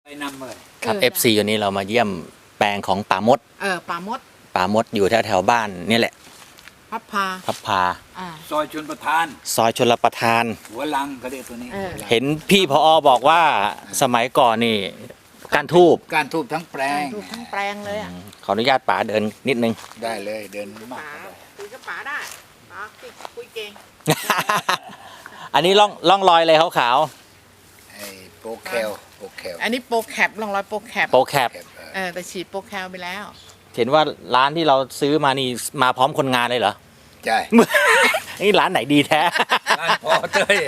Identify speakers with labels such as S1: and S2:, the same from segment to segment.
S1: นำเลย
S2: ครับ FC วันนี้เรามาเยี่ยมแปลงของป่ามด
S3: ป่ามด
S2: ป่ามดอยู่แถวบ้านนี่แหละ
S3: พับพา
S2: พับพา
S1: ซอยชนประทาน
S2: ซอยชลประทาน
S1: หัวลังเขาเรียกตัวนี้
S2: เห็นพี่พอบอกว่าสมัยก่อนนี่การทูบ
S1: การทูบทั้งแปลง
S3: ดูทั้งแปลงเลยอ่ะ
S2: ขออนุญาตป๋าเดินนิดนึง
S1: ได้เลยเดินมา
S3: ป๋าคุยกับป๋าได้ป๋าคุยเก่ง
S2: อันนี้ล่องรอยเลยขาว
S1: ไอ้โปรแคลโปรแคล
S3: อันนี้โปรแคปลองร้อยโปรแคป
S2: ๆโปรแคป
S3: แต่ฉีดโปรแคปไปแล้ว
S2: เห็นว่าร้านที่เราซื้อมานี่มาพร้อมคนงานเลยเหรอ
S1: ใช่
S2: นี่ร้านไหนดีแท้
S1: ร้านพอเต้ย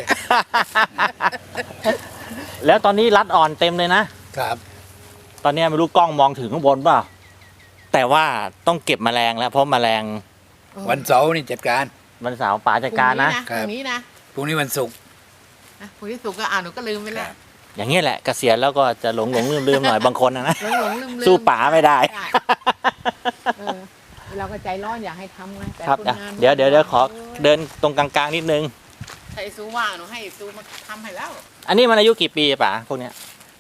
S2: แล้วตอนนี้รัดอ่อนเต็มเลยนะ
S1: ครับ
S2: ตอนนี้ไม่รู้กล้องมองถึงข้างบนเปล่าแต่ว่าต้องเก็บแมลงแล้วเพราะแมลง
S1: วันเสาร์นี่จัดการ
S2: วันเสาร์ป๋าจัดการนะ
S3: พรุ่งนี้นะ
S1: พรุ่งนี้วันศุกร์
S3: พรุ่งนี้สุกร์ก็หนูก็ลืมไปแล้ว
S2: อย่างนี้ยแหละเกษียณแล้วก็จะหลงลืมหน่อยบางคนนะ
S3: หลงลืม
S2: สู้ป๋าไม่ได้
S3: เราก็ใจร้อนอยากให้ทำไงแต่
S2: ครับ
S3: นงาน
S2: เดี๋ยวขอเดินตรงกลางๆนิดนึง
S3: ถ้าไอ้ซูว่างหนูให้ไอ้ซูมาทำให้แล้ว
S2: อันนี้มันอายุกี่ปีป๋าพวกเนี้ย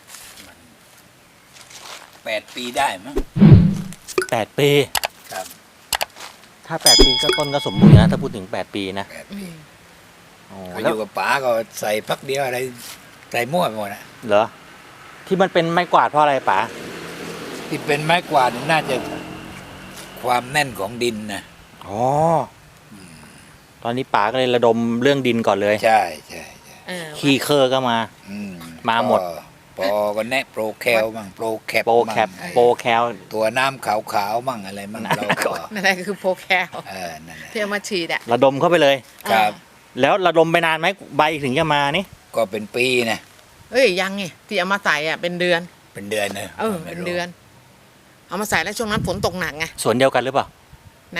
S1: 8 ปีได้มั้ง
S2: 8 ปี
S1: ครับ
S2: ถ้า8 ปีก็ต้นก็สมบูรณ์นะถ้าพูดถึง8 ปีนะ
S1: 8 ปี
S2: โอ้
S1: เขาอ
S2: แล้ว
S1: ยู่กับป๋าก็ใส่พักเดียวอะไรใส่มั่วไปหมดนะ
S2: เหรอที่มันเป็นไม้กวาดเพราะอะไรป๋า
S1: ที่เป็นไม้กวาดน่าจะความแน่นของดินนะ
S2: อ๋อตอนนี้ป๋าก็เลยระดมเรื่องดินก่อนเลย
S1: ใช่ใช่
S2: ขี้เคอร์ก็มา
S1: อื
S2: มาหมด
S1: ปอก็แนะโปรแคลมั่งโปรแคป
S2: โปรแคป
S1: มั่ง
S2: โปรแคล
S1: ตัวน้ำขาวๆมั่งอะไรมั่งเราก็
S3: นั่นแหละคือโปรแคป
S1: นั่นแหละ
S3: ที่เอามาฉีดอ่ะ
S2: ระดมเข้าไปเลย
S1: ครับ
S2: แล้วระดมไปนานไหมใบถึงจะมานี่
S1: ก็เป็นปีนะ
S3: เอ้ยยังไงที่เอามาใส่อ่ะเป็นเดือน
S1: เป็นเดือนนะ
S3: เป็นเดือน เอามาใส่แล้วช่วงนั้นฝนตกหนักไง
S2: สวนเดียวกันหรือเปล่า
S3: นะ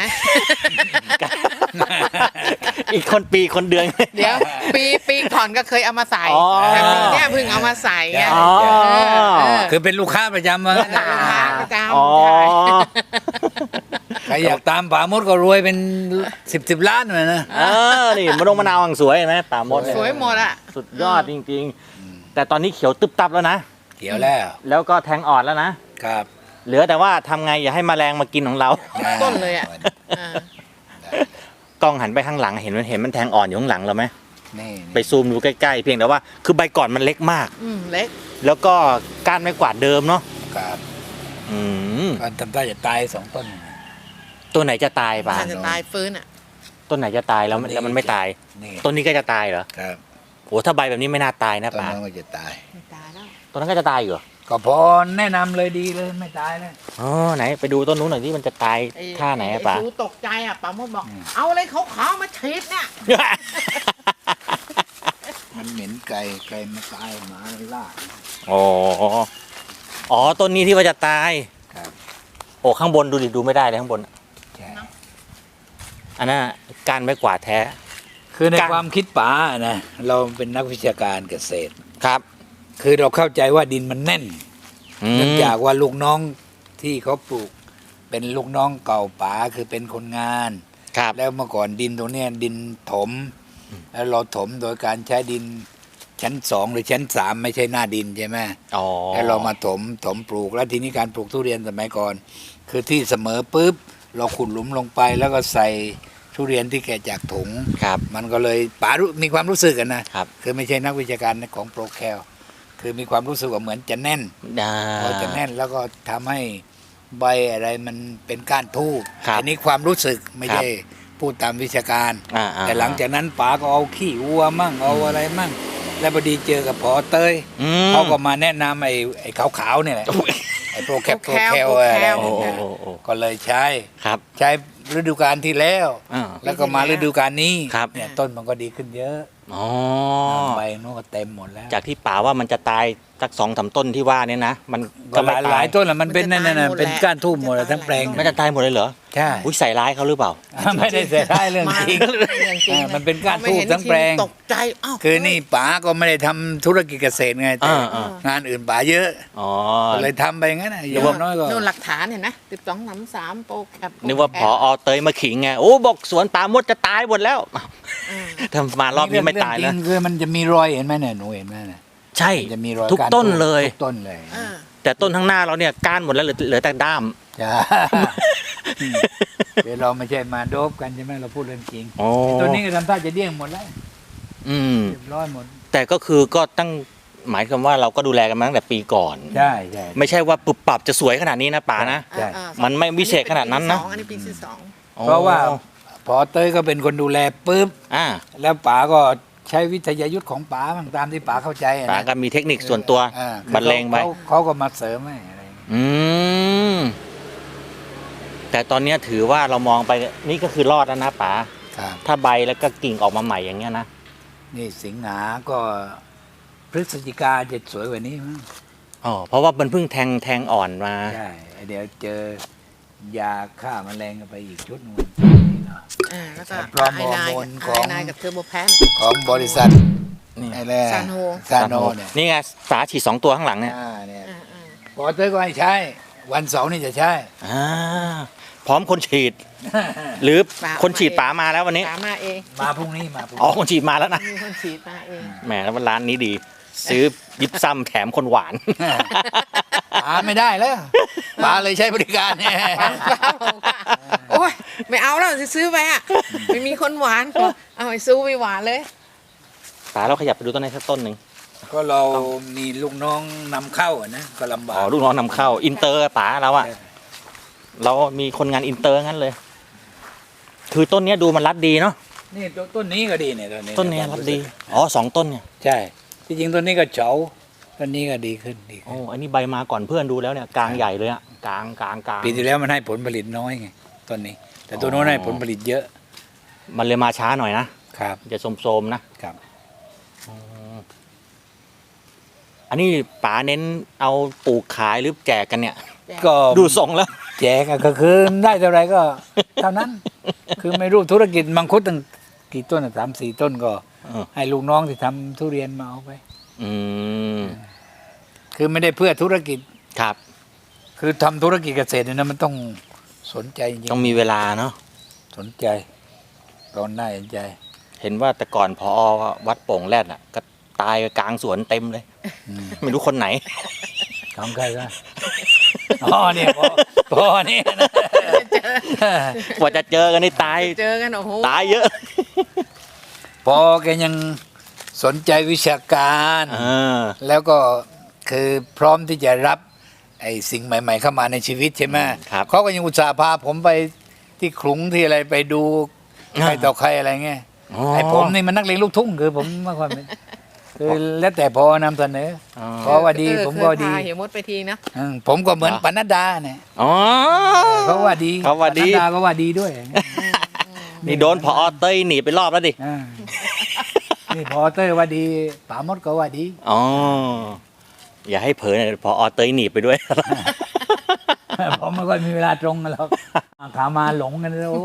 S2: อีกคนปีคนเดือน
S3: เดี๋ยวปีก่อนก็เคยเอามาใส่
S2: อ๋อ
S3: แต่ปีเนี้ยเพิ่งเอามาใส่ไง
S2: อ๋อ
S1: คือเป็นลูกค้าประจำมา
S3: ลูกค้าประจำ
S2: อ๋อ
S1: ใครอยากตามป่ามดก็รวยเป็น10 ล้านเลยนะ
S2: นี่มะนาวสวยเห็นไหมป่ามดเนี่ย
S3: สวยหมดอ่ะ
S2: สุดยอดจริงๆ แต่ตอนนี้เขียวตึบตับแล้วนะ
S1: เขียวแล้ว
S2: แล้วก็แทงอ่อนแล้วนะ
S1: ครับ
S2: เหลือแต่ว่าทำไงอย่าให้แมลงมากินของเรา
S3: ต้นเลยอ่ะ
S2: กล้องหันไปข้างหลังเห็นมันแทงอ่อนอยู่ข้างหลังเราไหม
S1: นี่
S2: ไปซูมดูใกล้ๆเพียงแต่ว่าคือใบก่อนมันเล็กมาก
S3: เล็ก
S2: แล้วก็ก้านไม้กวาดเดิมเนาะ
S1: ครับ
S2: อืม
S1: ก็ทำได้จะตาย2 ต้น
S2: ตัวไหนจะตายป่ะ
S3: มันจะตายฟื้นอ่ะ
S2: ต้นไหนจะตายแล้วมันไม่ตาย
S1: นี่
S2: ต้นนี้ก็จะตายเหรอ
S1: ครับ
S2: โหถ้าใบแบบนี้ไม่น่าตายนะ
S1: ต้น
S2: ป่า
S1: นั้นก็จะตาย
S3: ไม่ตายแล้ว
S2: ต้นนั้นก็จะตายอยู่เหรอ
S1: ก็พอแนะนำเลยดีเลยไม่ตายเลย
S2: อ๋อไหนไปดูต้นนู้นหน่อยที่มันจะตายท่าไหนอะป่า
S3: ดูตกใจอ่ะป๋าโมดบอก เอาอะไรขาวๆมาฉีดเนี่ย
S1: มันเหม็นไก่มาตายหมาล่า
S2: อ๋ออ๋อต้นนี้ที่ว่าจะตาย
S1: ครับ
S2: โอ้ข้างบนดูดิดูไม่ได้เลยข้างบน
S1: ใช่
S2: อันนั้นการไม้กวาดแท้
S1: คือใน
S2: การ
S1: ความคิดป๋านะเราเป็นนักวิชาการเกษตร
S2: ครับ
S1: คือเราเข้าใจว่าดินมันแน่น
S2: อืม
S1: เนื่องจากว่าลูกน้องที่เขาปลูก เป็นลูกน้องเก่าป๋าคือเป็นคนงาน
S2: ครับ
S1: แล้วเมื่อก่อนดินตรงเนี้ยดินถม แล้วเราถมโดยการใช้ดินชั้น2หรือชั้น3ไม่ใช่หน้าดินใช่ไหม
S2: อ๋อ
S1: แล้วเรามาถมปลูกแล้วทีนี้การปลูกทุเรียนสมัยก่อน คือที่เสมอปุ๊บเราขุดหลุมลงไปแล้วก็ใส่ทุเรียนที่แกะจากถุง
S2: ครับ
S1: มันก็เลยป๋ามีความรู้สึกกันนะครับ คือไม่ใช่นักวิชาการของโปรแคลคือมีความรู้สึกว่าเหมือนจะแน่น
S2: อ่า
S1: พอจะแน่นแล้วก็ทำให้ใบอะไรมันเป็นก้านทูบ
S2: ครับ
S1: อันี้ความรู้สึกไม่ใช่พูดตามวิชาการ
S2: อ่า
S1: แต่หลังจากนั้นป๋าก็เอาขี้วัวมั่งเอาอะไรมั่ง แล้วพอดีเจอกับพอเตย
S2: อืม
S1: เขาก็มาแนะนำไอ้ขาวๆเนี่ยแหละไอ้โปรแคป
S3: โปรแคล
S1: อะไร
S2: โอ้โอ้
S1: เนี่ย
S2: โอ้โอ้
S1: ก็เลยใช้
S2: ครับ
S1: ใช้ฤดูกาลที่แล้ว
S2: อ่า
S1: แล้วก็มาฤดูกาลนี้
S2: ครับ
S1: เนี่ยต้นมันก็ดีขึ้นเยอะ
S2: อ๋อ
S1: ใบนู้นก็เต็มหมดแล้ว
S2: จากที่ป่าว่ามันจะตายสัก2-3 ต้นที่ว่าเนี่ยนะมัน
S1: ก็
S2: ไม่
S1: หลายต้นแหละมันเป็นนั่นน่ะเป็นก้านทูบหมดเลยทั้งแปลง
S2: ไม่จะตายหมดเลยเหรอ
S1: ใช่
S2: อุ้ยใส่ร้ายเขาหรือเปล่า
S1: ไม่ได้เสียท้ายเรื่องจริง
S3: เรื่องจริง
S1: มันเป็นก้านทูบทั้งแปลง
S3: ตกใจอ้าว
S1: คือนี่ป๋าก็ไม่ได้ทำธุรกิจเกษตรไงแต่
S2: อ่า
S1: งานอื่นป๋าเยอะ
S2: อ๋อ
S1: ก็เลยทำไปงั้นนะอย่างน้อยก็
S3: นู่นหลักฐานเห็นไหม12-3โปรแคป
S2: นึกว่าผอเตยมาขิงไงโอ้บอกสวนป่ามดจะตายหมดแล้วทำมารอบนี้ไม่ตาย
S1: เรื่
S2: แล้
S1: อ
S2: ว
S1: งจริงคือมันจะมีรอยเห็นไหมเนี่ยหนูเห็นไหมเนี่ย
S2: ใช่
S1: มันจะมีรอย
S2: ทุก
S1: ก้าน
S2: ต้นเลย
S1: ทุกต้นเลย
S3: อ่า
S2: แต่ต้นข้างหน้าเราเนี่ยก้านหมดแล้วเหลือแต่ด้าม
S1: จ้าเดี๋ยวเราไม่ใช่มาโดบกันใช่ไหมเราพูดเรื่องจริง
S2: อ๋อ
S1: ตัวนี้ก็ทำท่าจะเดี้ยงหมดแล้ว
S2: อืม
S1: เรียบร้อยหมด
S2: แต่ก็คือก็ตั้งหมายความว่าเราก็ดูแลกันมาตั้งแต่ปีก่อน
S1: ใช่ใช่
S2: ไม่ใช่ว่าปรับปรับจะสวยขนาดนี้นะป๋านะ
S1: ใช่
S3: อ่า
S2: มันไม่วิเศษขนาดนั้นนะ
S3: อันนี้ปีที่สอง
S1: เพราะว่าพอเต้ยก็เป็นคนดูแลปุ๊บ
S2: อ่า
S1: แล้วป๋าก็ใช้วิทยายุทธ์ของป๋าบ้างตามที่ป๋าเข้าใจอะ
S2: ป๋า
S1: นะ
S2: ก็มีเทคนิคส่วนตัว
S1: อ่า
S2: บรรเลงไป
S1: เขาก็มาเสริมให้อะไรอย่างเงี้ย
S2: อืมแต่ตอนเนี้ยถือว่าเรามองไปนี่ก็คือรอดแล้วนะป๋า
S1: ครับ
S2: ถ้าใบแล้วก็กิ่งออกมาใหม่อย่างเงี้ยนะ
S1: นี่สิงหาก็พฤศจิกาจะสวยกว่านี้มั้ง
S2: อ๋อเพราะว่ามันเพิ่งแทงอ่อนมา
S1: ใช่เดี๋ยวเจอยาฆ่าแมลงกันไปอีกชุดหนึง
S3: อ่าแล้วก็
S1: พร้อม
S3: ไอไน
S1: ฮอร์โมนของ
S3: ไอไนกับเทอร์โบแพน
S1: ของบริษัท
S2: นี่
S1: ไอ้แร่
S3: ซานโฮ
S1: ซานโนเนี่ย
S2: นี่ไงป๋าฉีด2 ตัวข้างหลังเนี่ย
S1: เนี่ย
S3: อ่าอ่า
S1: พอเต้ยก็ให้ใช้ วันเสาร์นี่จะใช้
S2: อ่าพร้อมคนฉีด หรือคนฉีดป๋ามาแล้ววันนี้
S3: ป๋ามาเอง
S1: มาพรุ่งนี้มาพรุ่ง
S2: อ๋อ
S1: นี้
S2: คนฉีดมาแล้วนะ
S3: มีคนฉีดมาเอง
S2: แหมแล้วร้านนี้ดี ซื้อยิบซ้ำแถมคนหวาน
S1: ป๋าไม่ได้แล้วป๋าเลยใช้บริการเนี่ย
S3: ป๋าบอกว่าโอ้ยไม่เอาแล้วจะซื้อไปอ่ะไม่มีคนหวานเอาไอ้ซื้อไปหวานเลย
S2: ป๋าเราขยับไปดูต้นไหนสักต้นหนึ่ง
S1: ก็เรามีลูกน้องนำเข้าอะนะก็ลำบา
S2: อ๋
S1: ก
S2: อลูกน้องนำเข้าอินเตอร์ป๋าเราอะเรามีคนงานอินเตอร์งั้นเลย คือต้นเนี้ยดูมันรัดดีเนาะ
S1: นี่ต้นนี้ก็ดีเนี่ย
S2: ต้นเนี้ยรัดดีอ๋อ2 ต้นเนี่ย
S1: ใช่ที่จริงต้นนี้ก็เฉาต้นนี้ก็ดีขึ้น
S2: โอ้อันนี้ใบมาก่อนเพื่อนดูแล้วเนี่ยกลางใหญ่เลยอะกลาง
S1: ปีที่แล้วมันให้ผลผลิตน้อยไงต้นนี้ แต่ตัวโน้นให้ผลผลิตเยอะ
S2: มันเลยมาช้าหน่อยนะครับ จะโสมๆนะครับ อันนี้ป๋าเน้นเอาปลูกขายหรือแจกกันเนี่ย
S1: ก็
S2: ดูทรงแล้ว
S1: แจกอะก็คือได้เท่าไหรก็เท่านั้น คือไม่รู้ธุรกิจมังคุดตั้งกี่ต้นอะ3-4 ต้นก็
S2: เออ
S1: ให้ลูกน้องที่ทำทุเรียนมาเอาไป
S2: อืม
S1: คือไม่ได้เพื่อธุรกิจ
S2: ครับ
S1: คือทำธุรกิจเกษตรเนี่ยนะมันต้องสนใจจริง
S2: ต้องมีเวลาเนาะ
S1: สนใจตอนหน้าเห็นใจ
S2: เห็นว่าแต่ก่อนพอวัดโป่งแรดอ่ะ ก็ตายกลางสวนเต็มเลย
S1: อืม
S2: ไม่รู้คนไหน
S1: ของใครก็อ๋อเนี่ยพอเนี่ยนะ
S2: กว่าจะเจอกันนี่ตาย
S3: เจอกันโอ้โห
S2: ตายเยอะ
S1: พอแกยังสนใจวิชาการ แล้วก็คือพร้อมที่จะรับไอ้สิ่งใหม่ ๆ เข้ามาในชีวิตใช่ไหม
S2: ครับ
S1: เขาก็ยังอุตส่าห์พาผมไปที่ขลุงที่อะไรไปดูใครต่อใครอะไรเงี้ยไอ้ผมนี่มันนักเลงลูกทุ่งคือผมไม่ค่อยเป็นคือแล้วแต่พอนำเสนอ เพราะว่าดีผมก็ดี
S3: เคยพาเหี่ยวมดไปทีนะ
S1: ผมก็เหมือนปนัดดาเนี่ย
S2: อ๋อ
S1: เขาว่าดี
S2: เขาว่าดี
S1: ปนัดดาก็ว่าดีด้วย
S2: นี่โดนพอเต้ยหนีไปรอบแล้วดิ
S1: อ่านี่พอเต้ยว่าดีป๋ามดก็ว่าดี
S2: อ๋อ อย่าให้เผลอนะพอเต้ยหนีไปด้วย
S1: ผมไม่ค่อยมีเวลาตรงกันหรอกขามาหลงกันเลยโอ้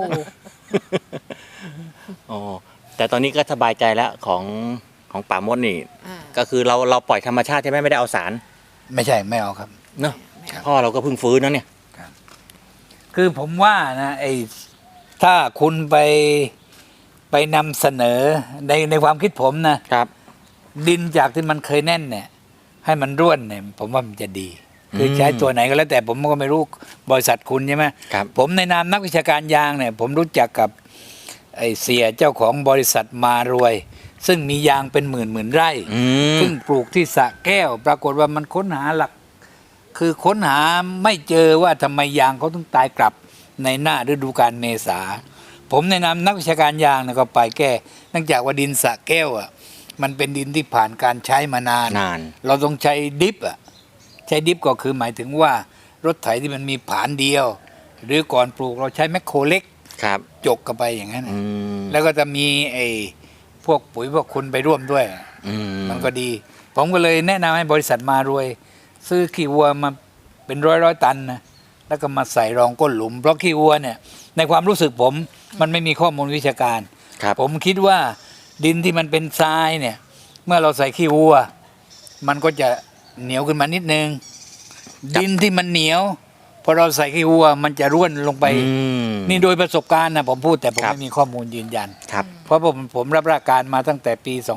S2: อ๋อ แต่ตอนนี้ก็สบายใจแล้วของป่ามดนี่
S3: อ่า
S2: ก็คือเราปล่อยธรรมชาติใช่ไหมไม่ได้เอาสาร
S1: ไม่ใช่ไม่เอาครับ
S2: เนอะ
S1: ครับ
S2: พ่อเราก็เพิ่งฟื้นนะเนี่ย
S1: คือผมว่านะไอ้ถ้าคุณไปนำเสนอในความคิดผมนะ
S2: ครับ
S1: ดินจากที่มันเคยแน่นเนี่ย ให้มันร่วนเนี่ย ผมว่ามันจะดี คือใช้ตัวไหนก็แล้วแต่ผมก็ไม่รู้บริษัทคุณใช่ไหม
S2: ครับ
S1: ผมในนามนักวิชาการยางเนี่ย ผมรู้จักกับไอ้เสียเจ้าของบริษัทมารวย ซึ่งมียางเป็นหมื่นไร่
S2: อืม
S1: ซึ่งปลูกที่สระแก้ว ปรากฏว่ามันค้นหาหลัก คือค้นหาไม่เจอว่าทำไมยางเขาต้องตายกลับในหน้าฤดูกาลเมษา ผมในนามนักวิชาการยางนะก็ไปแก้เนื่องจากว่าดินสระแก้วอ่ะมันเป็นดินที่ผ่านการใช้มานาน
S2: นาน
S1: เราต้องใช้ดิฟอ่ะใช้ดิฟก็คือหมายถึงว่ารถไถที่มันมีผานเดียว หรือก่อนปลูกเราใช้แมคโครเล็ก
S2: ครับ
S1: จกเข้าไปอย่างนั้น
S2: อื
S1: น่ะ
S2: ม
S1: แล้วก็จะมีไอ้พวกปุ๋ยพวกคุณไปร่วมด้วย
S2: อืม
S1: มันก็ดี ผมก็เลยแนะนำให้บริษัทมารวย ซื้อขี้วัวมาเป็นร้อยตันนะแล้วก็มาใส่รองก้นหลุม เพราะขี้วัวเนี่ย ในความรู้สึกผมมันไม่มีข้อมูลวิชาการ
S2: ครับ
S1: ผมคิดว่าดินที่มันเป็นทรายเนี่ย เมื่อเราใส่ขี้วัว มันก็จะเหนียวขึ้นมานิดนึง ดินที่มันเหนียวพอเราใส่ขี้วัว มันจะร่วนลงไป
S2: อืม
S1: นี่โดยประสบการณ์นะผมพูดแต่ผม
S2: ครับ
S1: ไม่มีข้อมูลยืนยัน
S2: ครับ
S1: เพราะผมรับราชการมาตั้งแต่ปี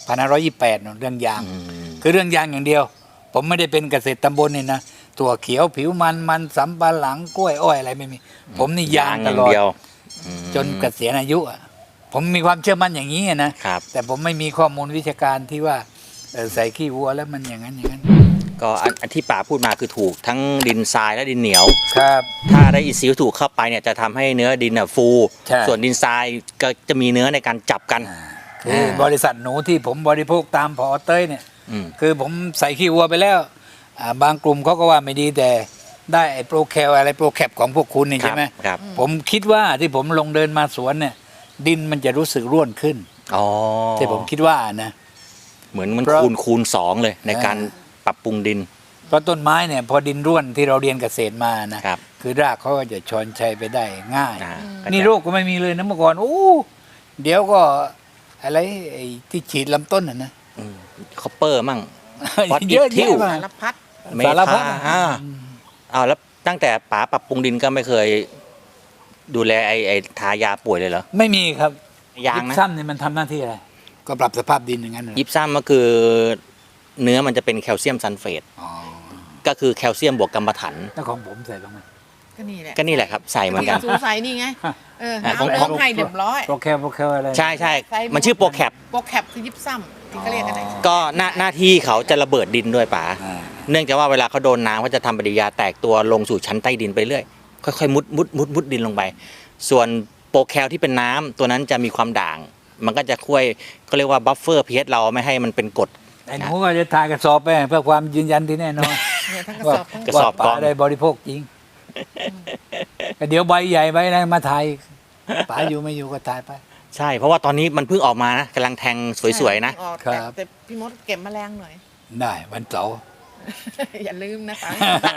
S1: 2528เรื่องยาง คือเรื่องยางอย่างเดียว ผมไม่ได้เป็นเกษตรตำบลนี่นะตัวเขียวผิวมันสำปะหลังกล้วยอ้อยอะไรไม่มี ผมนี่ยางตลอด
S2: เดียว
S1: จนเกษียณอายุอะผมมีความเชื่อมั่นอย่างนี้อะนะครับ แต่ผมไม่มีข้อมูลวิชาการที่ว่าใส่ขี้วัวแล้วมันอย่างนั้นอย่างนั้น
S2: ก็อันที่ป๋าพูดมาคือถูกทั้งดินทรายและดินเหนียว
S1: ครับ
S2: ถ้าได้อินทรีย์วัตถุเข้าไปเนี่ยจะทำให้เนื้อดินฟู
S1: ใช่
S2: ส่วนดินทรายก็จะมีเนื้อในการจับกัน
S1: คือบริษัทหนูที่ผมบริโภคตามพอเต้ยเนี่ย
S2: อืม
S1: คือผมใส่ขี้วัวไปแล้วบางกลุ่มเขาก็ว่าไม่ดีแต่ได้ไอ้โปรแคลอะไรโปรแคปของพวกคุณนี่
S2: ครั
S1: ใช่
S2: บ
S1: ไหม
S2: ครับ
S1: ผมคิดว่าที่ผมลงเดินมาสวนเนี่ย ดินมันจะรู้สึกร่วนขึ้น
S2: อ๋อ
S1: ที่ผมคิดว่านะ
S2: เหมือนมัน
S1: เพราะ
S2: คูณสองเลยในการปรับปรุงดิน
S1: เพราะต้นไม้เนี่ยพอดินร่วนที่เราเรียนเกษตรมานะครับ คือรากเขาก็จะชอนชัยไปได้ง่าย
S2: อ่า
S1: นี่โรคก็ไม่มีเลยนะเมื่อก่อนโอ้เดี๋ยวก็อะไรไอ้ที่ฉีดลำต้นนะ
S2: คอปเปอร์มั่ง วัดอิฐ
S1: เยอะ
S2: ทิ่
S1: แยะ
S2: ว
S1: มา
S3: สารพัด
S2: เม
S1: สารพั
S2: ทา
S1: ด
S2: อ้าวแล้วตั้งแต่ป๋าปรับปรุงดินก็ไม่เคย ดูแลไอ้ทายาป่วยเลยเหรอ
S1: ไม่มีครับ
S2: ยาง
S1: ยิ
S2: นะ
S1: ปซัมเนี่ยมันทำหน้าที่อะไร ก็ปรับสภาพดินอย่างนั้นเหรอ
S2: ยิปซัมก็คือ เนื้อมันจะเป็นแคลเซียมซัลเฟต
S1: อ๋อ
S2: ก็คือแคลเซียมบวกกัมมันถัน
S1: แล้วของผมใส่บ้างไหม
S3: ก็นี่แหละ
S2: ก็นี่แหละครับใส่เหมือนกัน
S3: สูใส่นี่ไงหา
S2: ของ
S3: เรื่องให้เรียบร้อย
S1: โปรแคลอะไร
S2: ใช่ใช่
S3: ใส่
S2: มันชื่อโปรแคป
S3: โปรแคปคือยิบซ้ำที่เขาเรียกกันไหน
S2: ก็หน้าที่เขาจะระเบิดดินด้วยป๋า
S1: อ่า
S2: เนื่องจากว่าเวลาเขาโดนน้ำเขาจะทำปฏิกิริยาแตกตัวลงสู่ชั้นใต้ดินไปเรื่อยค่อยๆมุดดินลงไป ส่วนโปรแคลที่เป็นน้ำตัวนั้นจะมีความด่าง มันก็จะช่วยเขาเรียกว่าบัฟเฟอร์พีเอชเราไม่ให้มันเป็นกรด
S1: ไอ้หนูก็จะถ่ายกระสอบไปเพื่อความยืนยันที่แน่นอน
S3: เนี่ยทั้งกระ
S1: ว่า
S3: สอบทั้ง
S2: กระสอบ
S1: ว่าป๋าได้บริโภคจริงเดี๋ยวใบใหญ่ใบอะไรมาถ่ายป๋าอยู่ไม่อยู่ก็ถ่ายไป
S2: ใช่ เพราะว่าตอนนี้มันเพิ่งออกมานะกำลังแทงสวยๆนะ
S3: ออก
S1: ครับ
S3: แต่พี่มดเก็บแมลงหน่อย
S1: ได้วันเสาร์
S3: อย่าลืมนะคะ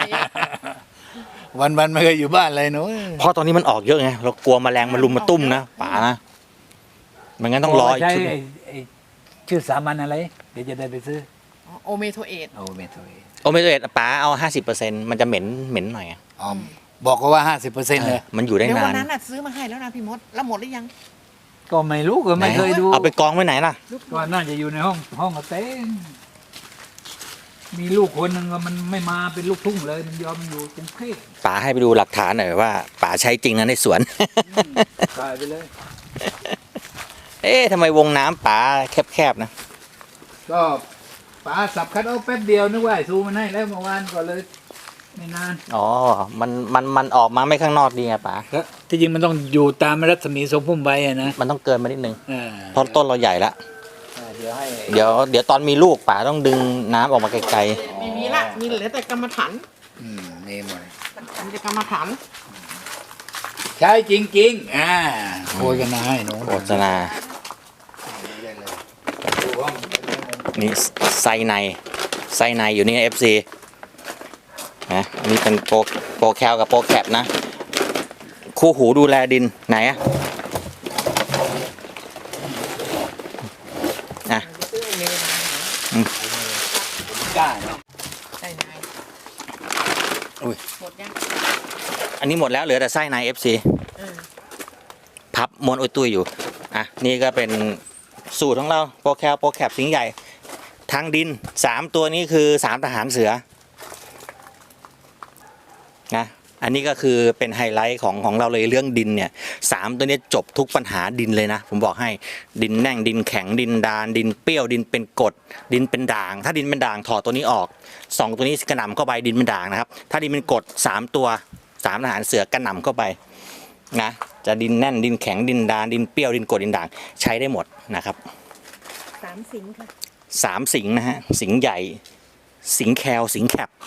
S1: วันไม่เคยอยู่บ้านเลยหนู
S2: เพราะตอนนี้มันออกเยอะไงเรากลัวแมลงมันลุมมาตุ้มนะป๋านะมันงั้นต้องรออีก
S1: ใช้
S2: ชุด
S1: ไอ้ชื่อสามัญอะไร เดี๋ยวจะได้ไปซื้อ
S3: โอเมโทเอท
S1: โอเมโทเอ
S2: โอเมโตเอตป๋าเอา 50%มันจะเหม็นหน่อยอะ
S1: อ๋อบอกเขาว่า 50%เลย
S2: มันอยู่ได้
S3: เดี๋ยว
S2: นา
S3: วัน
S2: น
S3: นั้นน่ะซื้อมาให้แล้วนะพี่มดแล้วหมดหรือยัง
S1: ก็ไม่รู้ก็ไม่เคยดู
S2: เอาไปกองไว้ไหนล่ะ
S1: ก็น่าจะอยู่ในห้องกระเต้นมีลูกคนหนึ่งก็มันไม่มาเป็นลูกทุ่งเลย มันยอมอยู่กรุงเทพ
S2: ป๋าให้ไปดูหลักฐานหน่อยว่าป๋าใช้จริงนะในสวน
S1: ตายไปเลย
S2: เอ๊ะทำไมวงน้ำป๋าแคบๆนะ
S1: ก็ป๋าสับคัดเอาแป๊บเดียวนึกว่าไอ้ซูมันให้แล้วเมื่อวานก็เลย ไม่นาน
S2: อ๋อ มันออกมาไม่ข้างนอกดีไงป๋า
S1: แล้วที่จริงมันต้องอยู่ตามรัศมีทรงพุ่มใบอะนะ
S2: มันต้องเกินมานิดนึง
S1: อ่า
S2: เพราะต้นเราใหญ่ละ
S1: เดี๋ยวให้
S2: เดี๋ยวตอนมีลูกป๋าต้องดึงน้ำออกมาไกล
S3: ไม่มีละมีเหลือแต่กรรมฐาน
S1: นี่หมด
S3: มีแต่กรรมฐาน
S1: ใช้จริงๆโฆษณาให้หนู
S2: ๆโฆษณา นี่ไส้ในอยู่นี่ FC นะอันนี้เป็นโปรแคลกับโปรแคปนะ คู่หูดูแลดินไหนอะนะ
S3: ซื้อไอเมย์มาก
S1: ล้าเนาะ
S3: ใช่ไหม
S2: อุ้ย
S3: หมดยัง
S2: อันนี้หมดแล้วเหลือแต่ไส้ใน FC
S3: เออ
S2: พับม้วนอุ้ยตุ้ยอยู่ อ่ะ นี่ก็เป็นสูตรของเราโปรแคลโปรแคปสิงห์ใหญ่ ทางดิน 3 ตัวนี้คือ 3 ทหารเสือ นะ อันนี้ก็คือเป็นไฮไลท์ของเราเลยเรื่องดินเนี่ย3ตัวนี้จบทุกปัญหาดินเลยนะ ผมบอกให้ดินแน่งดินแข็งดินดานดินเปรี้ยวดินเป็นกรดดินเป็นด่าง ถ้าดินเป็นด่างถอดตัวนี้ออก2ตัวนี้กระหน่ำเข้าไปดินเป็นด่างนะครับ ถ้าดินเป็นกรด3ตัว3ทหารเสือกระหน่ำเข้าไปนะจะดินแน่นดินแข็งดินดานดินเปรี้ยวดินกรดดินด่างใช้ได้หมดนะครับ
S3: 3 สิงค่ะ
S2: 3 สิงห์นะฮะสิงห์ใหญ่ สิงห์แคลสิงห์แคป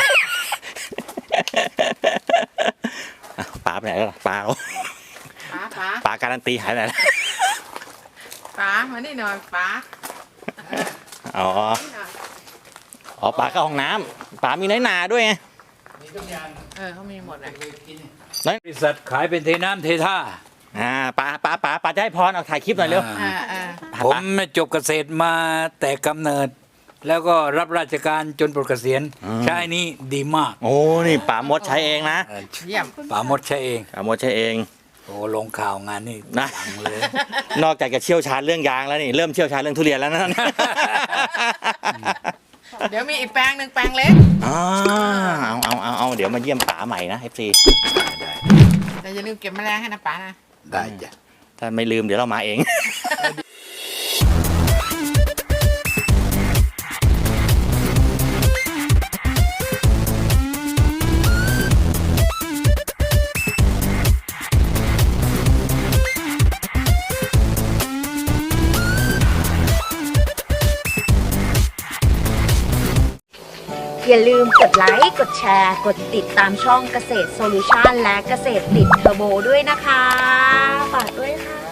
S2: อ่ะป๋าไปไหนแล้วล่ะป๋าเรา
S3: ป๋า
S2: ป๋าการันตีหายไปไหนแล้ว
S3: ป๋ามานี่หน่อยป๋า
S2: อ๋อ
S3: นี่หน่อย
S2: อ๋อป๋าเข้าห้องน้ำป๋ามีน้อยหนาด้วยไง
S1: มีทุกอย่าง
S3: เขามีหมดอ่ะ
S1: บริษัทขายเป็นเทน้ำเทท่า
S2: ป๋าจะให้พรเอาถ่ายคลิปหน่อยเร็ว
S1: ผมจบเกษตรมาแต่กำเนิด แล้วก็รับราชการจนปลดเกษียณใช้นี่ดีมาก
S2: โอ้นี่ป๋ามดใช้เองนะ
S3: เยี่ยม
S1: ป๋ามดใช้เอง
S2: ป๋ามดใช้เอง
S1: โอ้ลงข่าวงานนี่
S2: นะ
S1: ดังเลย
S2: นอกจากจะเชี่ยวชาญเรื่องยางแล้วนี่เริ่มเชี่ยวชาญเรื่องทุเรียนแล้วนะ
S3: เดี๋ยวมีอีกแปลงหนึ่งแปลงเล็ก
S2: เอาเดี๋ยวมาเยี่ยมป๋าใหม่นะ FC
S1: ได้
S3: แต่อย่าลืมเก็บแมลงให้นะป๋านะ
S1: ได้จ้ะ
S2: ถ้าไม่ลืมเดี๋ยวเรามาเอง
S4: อย่าลืมกดไลค์ กดแชร์ กดติดตามช่องเกษตรโซลูชันและเกษตรติดเทอร์โบด้วยนะคะ ฝากด้วยค่ะ